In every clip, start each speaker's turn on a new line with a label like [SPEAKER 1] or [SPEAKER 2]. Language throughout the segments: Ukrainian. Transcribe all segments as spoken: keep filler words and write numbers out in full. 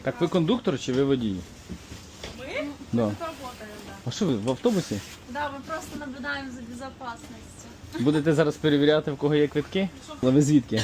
[SPEAKER 1] Так ви кондуктор чи ви водій?
[SPEAKER 2] Мы?
[SPEAKER 1] Да.
[SPEAKER 2] Мы тут работаем, да.
[SPEAKER 1] А що ви, в автобусі?
[SPEAKER 2] Да, мы просто наблюдаем за безопасностью.
[SPEAKER 1] Будете зараз перевіряти, в кого є квитки? Але ви звідки?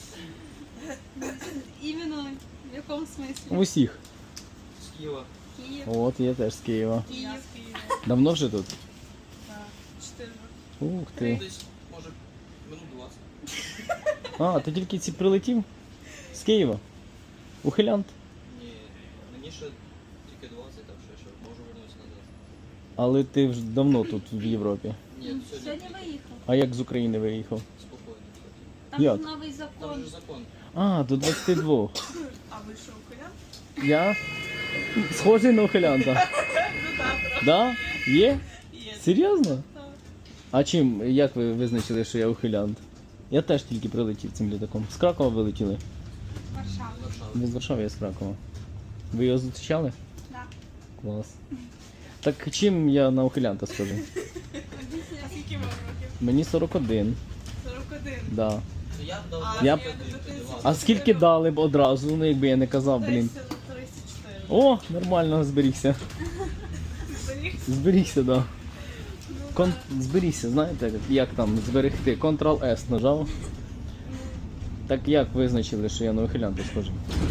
[SPEAKER 2] Именно в каком смысле?
[SPEAKER 1] В усіх.
[SPEAKER 3] З Києва.
[SPEAKER 2] Киев.
[SPEAKER 1] От, я теж з Києва.
[SPEAKER 2] Киев.
[SPEAKER 1] Давно вже тут?
[SPEAKER 2] Да. Четыре роки.
[SPEAKER 1] Ух ти.
[SPEAKER 3] Десь, може, минут двадцять.
[SPEAKER 1] А, ти тільки ці прилетів? З Києва? Ухилянт?
[SPEAKER 3] Ні, мені ще тільки двадцять, так що ще можу вернутися назад.
[SPEAKER 1] Але ти вже давно тут в Європі.
[SPEAKER 3] Ні,
[SPEAKER 2] Сьогодні
[SPEAKER 3] сьогодні
[SPEAKER 2] виїхав.
[SPEAKER 1] А як з України виїхав?
[SPEAKER 3] спокійно. кстати.
[SPEAKER 2] Там
[SPEAKER 1] Як?
[SPEAKER 2] же новий
[SPEAKER 3] Там
[SPEAKER 2] закон.
[SPEAKER 3] же закон.
[SPEAKER 1] А, до двадцяти двох.
[SPEAKER 2] А ви що, ухилян?
[SPEAKER 1] Я схожий на ухилянта. Да? Є?
[SPEAKER 2] Є.
[SPEAKER 1] Серйозно?
[SPEAKER 2] Так.
[SPEAKER 1] А чим, як ви визначили, що я ухилянт? Я теж тільки прилетів цим літаком. З Кракова вилетіли?
[SPEAKER 2] Варшава.
[SPEAKER 3] Варшава.
[SPEAKER 1] Ви з Варшави, я з Кракова. Ви його зустрічали?
[SPEAKER 2] Да.
[SPEAKER 1] Клас. Так чим я на ухилянта схожий?
[SPEAKER 2] А скільки вам років?
[SPEAKER 1] Мені сорок один.
[SPEAKER 2] сорок один.
[SPEAKER 1] Да.
[SPEAKER 3] То я б дав
[SPEAKER 2] А,
[SPEAKER 1] Я-
[SPEAKER 3] двадцять
[SPEAKER 2] я-
[SPEAKER 3] двадцять.
[SPEAKER 1] А скільки дали б одразу, ну якби я не казав, блін.
[SPEAKER 2] Десь на тридцять чотири.
[SPEAKER 1] О, нормально зберігся.
[SPEAKER 2] Зберігся.
[SPEAKER 1] Зберігся, да.
[SPEAKER 2] Ну,
[SPEAKER 1] Кон... Зберігся, знаєте, як там зберегти? Контрол-С нажав. Так як визначили, що я на ухилянта схожий?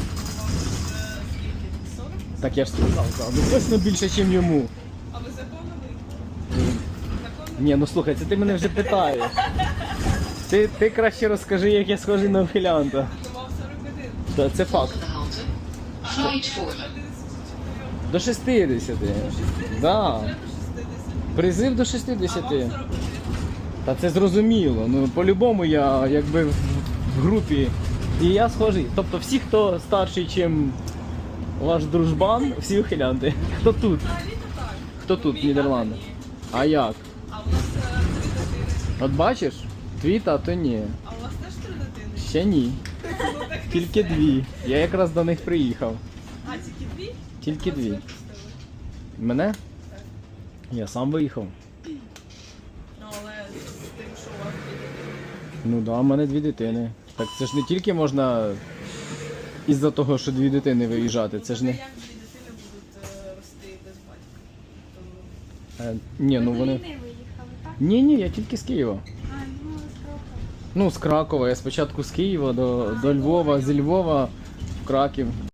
[SPEAKER 2] сорок?
[SPEAKER 1] Так я ж сказав, да. Ну точно більше, ніж йому.
[SPEAKER 2] А ви законно виїхали? Законно?
[SPEAKER 1] Ні, ну слухай, це ти мене вже питаєш. Ти, ти краще розкажи, як я схожий на ухилянта.
[SPEAKER 2] Думав сорок один.
[SPEAKER 1] Та це факт.
[SPEAKER 4] Flight four.
[SPEAKER 1] До шістдесяти. Да. Призив до шістдесяти. Та це зрозуміло. Ну по-любому я якби в в групі. І я схожий. Тобто всі, хто старший, ніж ваш дружбан, всі ухилянти. Хто тут?
[SPEAKER 2] Взагалі-то так.
[SPEAKER 1] Хто тут, в Нідерландах? А як?
[SPEAKER 2] А у нас е, три дитини.
[SPEAKER 1] От бачиш? Твій тато ні.
[SPEAKER 2] А у вас теж три дитини?
[SPEAKER 1] Ще ні.
[SPEAKER 2] Ну так
[SPEAKER 1] Тільки дві. Я якраз до них приїхав.
[SPEAKER 2] А тільки дві?
[SPEAKER 1] Тільки
[SPEAKER 2] Вас
[SPEAKER 1] дві.
[SPEAKER 2] випустили.
[SPEAKER 1] Мене?
[SPEAKER 2] Так.
[SPEAKER 1] Я сам виїхав.
[SPEAKER 2] Ну але з тим, що у вас дві дитини.
[SPEAKER 1] Ну да, в мене дві дитини. Так це ж не тільки можна із-за того, що дві дитини виїжджати. Це ж не.
[SPEAKER 2] Як дві дитини будуть е, рости без батька?
[SPEAKER 1] Е, ні, ну
[SPEAKER 2] Ви
[SPEAKER 1] вони.
[SPEAKER 2] до війни виїхали, так?
[SPEAKER 1] Ні, ні, я тільки з Києва.
[SPEAKER 2] А, ну з Кракова.
[SPEAKER 1] Ну, з Кракова. Я спочатку з Києва до, до Львова, зі Львова в Краків.